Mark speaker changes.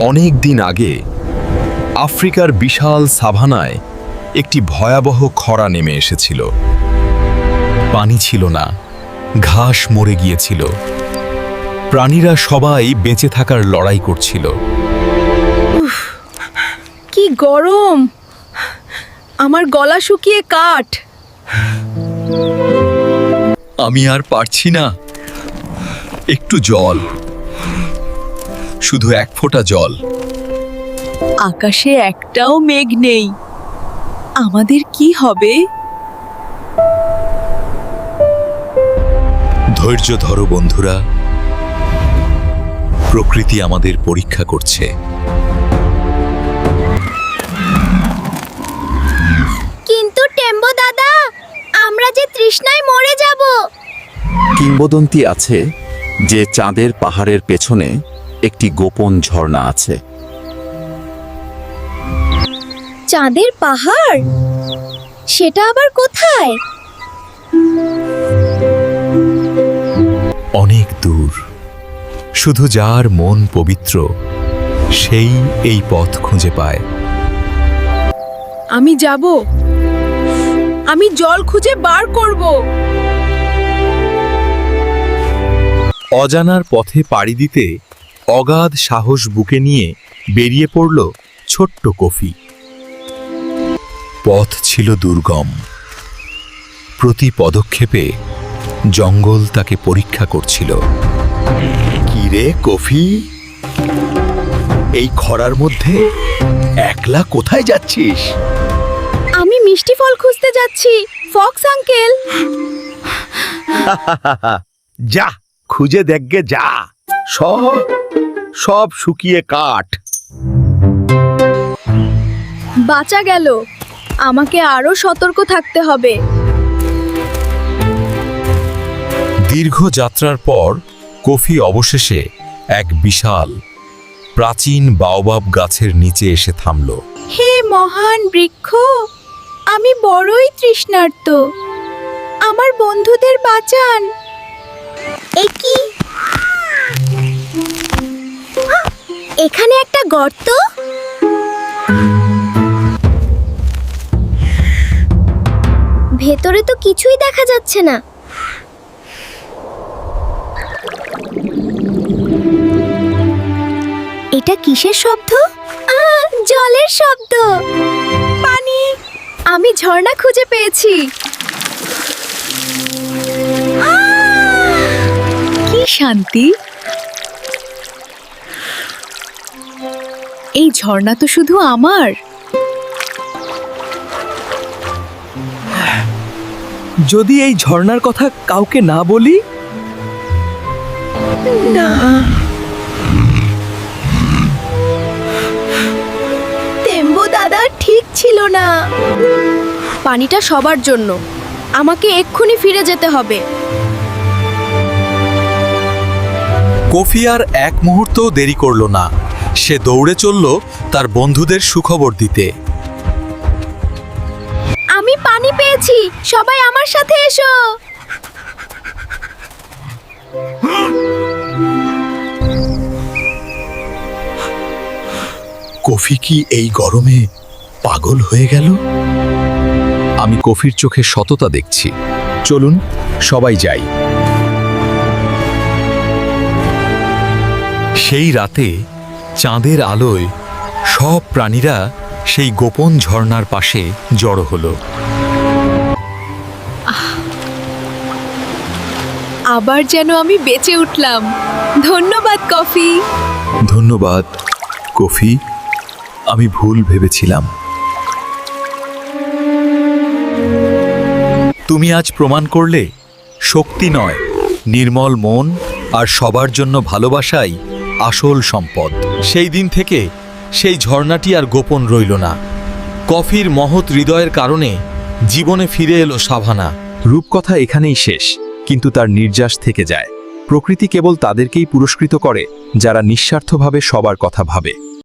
Speaker 1: অনেক দিন আগে আফ্রিকার বিশাল সাভানায় একটি ভয়াবহ খরা নেমে এসেছিল। পানি ছিল না, ঘাস মরে গিয়েছিল, প্রাণীরা সবাই বেঁচে থাকার লড়াই করছিল।
Speaker 2: কি গরম! আমার গলা শুকিয়ে কাঠ।
Speaker 1: আমি আর পারছি না। একটু জল, শুধু এক ফোঁটা জল।
Speaker 2: আকাশে একটাও মেঘ নেই। আমাদের কি হবে?
Speaker 1: ধৈর্য ধরো বন্ধুরা, প্রকৃতি আমাদের পরীক্ষা করছে।
Speaker 3: কিন্তু টেম্বো দাদা, আমরা যে তৃষ্ণায় মরে যাব।
Speaker 4: কিংবদন্তি আছে যে চাঁদের পাহাড়ের পেছনে একটি গোপন ঝর্ণা আছে।
Speaker 3: চাঁদের পাহাড়? সেটা আবার কোথায়?
Speaker 1: অনেক দূর, শুধু যার মন পবিত্র সেই এই পথ খুঁজে পায়।
Speaker 2: আমি যাব। আমি জল খুঁজে বার করব।
Speaker 1: অজানার পথে পাড়ি দিতে অগাধ সাহস বুকে নিয়ে বেরিয়ে পড়ল ছোট্ট কফি। পথ ছিল দুর্গম, প্রতি পদক্ষেপে জঙ্গল তাকে পরীক্ষা করছিল। কি রে কফি, এই খরার মধ্যে একলা কোথায় যাচ্ছিস?
Speaker 3: আমি মিষ্টি ফল খুঁজতে যাচ্ছি, ফক্স আঙ্কেল।
Speaker 1: যা খুঁজে দেখগে, যা। সব সব শুকিয়ে কাঠ।
Speaker 3: বাঁচা গেল। আমাকে আরো সতর্ক থাকতে হবে।
Speaker 1: দীর্ঘ যাত্রার পর কফি অবশেষে এক বিশাল প্রাচীন বাওবাব গাছের নিচে এসে থামল।
Speaker 3: হে মহান বৃক্ষ, আমি বড়ই তৃষ্ণার্ত। আমার বন্ধুদের বাঁচান। কি এখানে একটা গর্ত? ভেতরে তো কিছুই দেখা যাচ্ছে না। এটা কিসের শব্দ? জলের শব্দ। পানি! আমি ঝর্ণা খুঁজে পেয়েছি।
Speaker 2: কি শান্তি! এই ঝর্ণা তো শুধু আমার।
Speaker 5: যদি এই ঝর্ণার কথা কাউকে না বলি?
Speaker 2: না,
Speaker 3: টেম্বো দাদা ঠিক ছিল না। পানিটা সবার জন্য। আমাকে এক্ষুনি ফিরে যেতে হবে।
Speaker 1: কফি আর এক মুহূর্তও দেরি করল না। সে দৌড়ে চলল তার বন্ধুদের সুখবর দিতে।
Speaker 3: আমি পানি পেয়েছি, সবাই আমার সাথে এসো।
Speaker 1: কফি কি এই গরমে পাগল হয়ে গেল? আমি কফির চোখে সততা দেখছি। চলুন সবাই যাই। সেই রাতে চাঁদের আলোয় সব প্রাণীরা সেই গোপন ঝর্ণার পাশে জড়ো হলো।
Speaker 2: আবার যেন আমি বেঁচে উঠলাম। ধন্যবাদ কফি।
Speaker 1: ধন্যবাদ কফি, আমি ভুল ভেবেছিলাম। তুমি আজ প্রমাণ করলে শক্তি নয়, নির্মল মন আর সবার জন্য ভালোবাসাই আসল সম্পদ। সেই দিন থেকে সেই ঝর্ণাটি আর গোপন রইল না। কফির মহৎ হৃদয়ের কারণে জীবনে ফিরে এলো সাভানা।
Speaker 4: রূপকথা এখানেই শেষ, কিন্তু তার নির্যাস থেকে যায়। প্রকৃতি কেবল তাদেরকেই পুরস্কৃত করে যারা নিঃস্বার্থভাবে সবার কথা ভাবে।